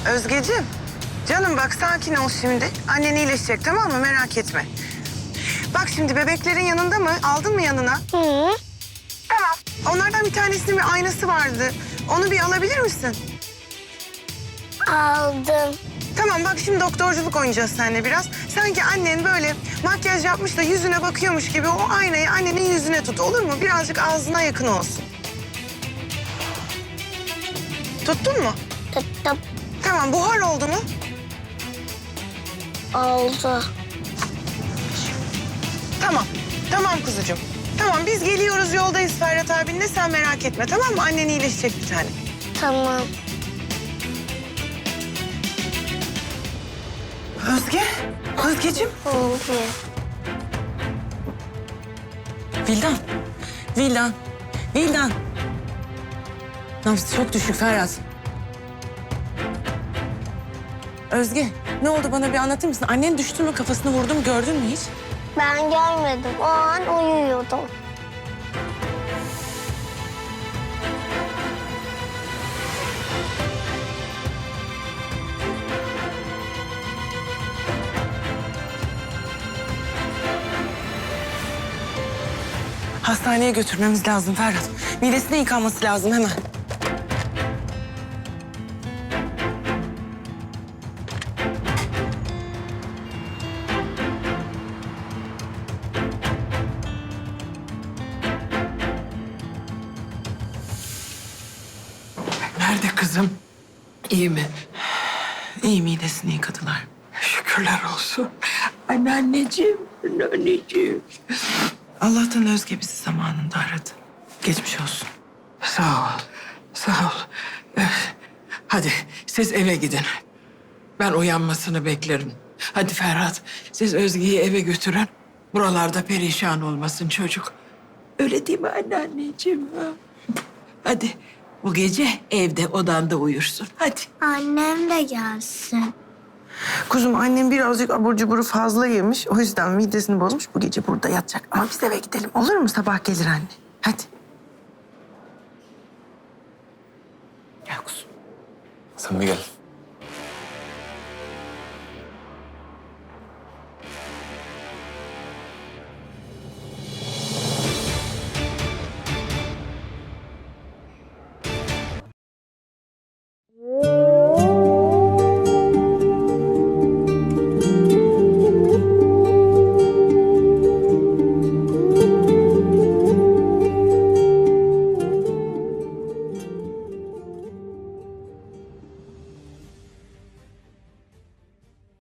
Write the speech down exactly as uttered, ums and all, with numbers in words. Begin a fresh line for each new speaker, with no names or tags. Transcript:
Özgeciğim, canım bak sakin ol şimdi. Annen iyileşecek tamam mı? Merak etme. Bak şimdi bebeklerin yanında mı? Aldın mı yanına?
Hı.
Tamam. Onlardan bir tanesinin bir aynası vardı. Onu bir alabilir misin?
Aldım.
Tamam bak şimdi doktorculuk oynayacağız seninle biraz. Sanki annen böyle makyaj yapmış da yüzüne bakıyormuş gibi o aynayı annenin yüzüne tut olur mu? Birazcık ağzına yakın olsun. Tuttun mu?
Tuttum.
Tamam buhar oldu mu?
Oldu.
Tamam. Tamam kuzucuğum. Tamam biz geliyoruz yoldayız Ferhat abinle sen merak etme tamam mı? Annen iyileşecek bir tane.
Tamam.
Özge. Özgeciğim.
Oldu.
Vildan. Vildan. Vildan. Nabzı çok düşük Ferhat. Özge ne oldu bana bir anlatır mısın? Annen düştü mü kafasını vurdu mu gördün mü hiç?
Ben görmedim. O an uyuyordum.
Hastaneye götürmemiz lazım Ferhat. Midesine yıkanması lazım hemen.
Nerede kızım? İyi mi?
İyi midesini yıkadılar.
Şükürler olsun. Anneanneciğim, anneanneciğim.
Allah'tan Özge bizi zamanında aradı. Geçmiş olsun.
Sağ ol, sağ ol. Eh, Hadi siz eve gidin. Ben uyanmasını beklerim. Hadi Ferhat, siz Özge'yi eve götürün. Buralarda perişan olmasın çocuk. Öyle değil mi anneanneciğim? ha? Hadi bu gece evde odanda uyursun. Hadi.
Annem de gelsin.
Kuzum annem birazcık abur cuburu fazla yemiş. O yüzden midesini bozmuş. Bu gece burada yatacak. Ama biz eve gidelim. Olur mu? Sabah gelir anne. Hadi. Gel kuzum.
Sen bir gel.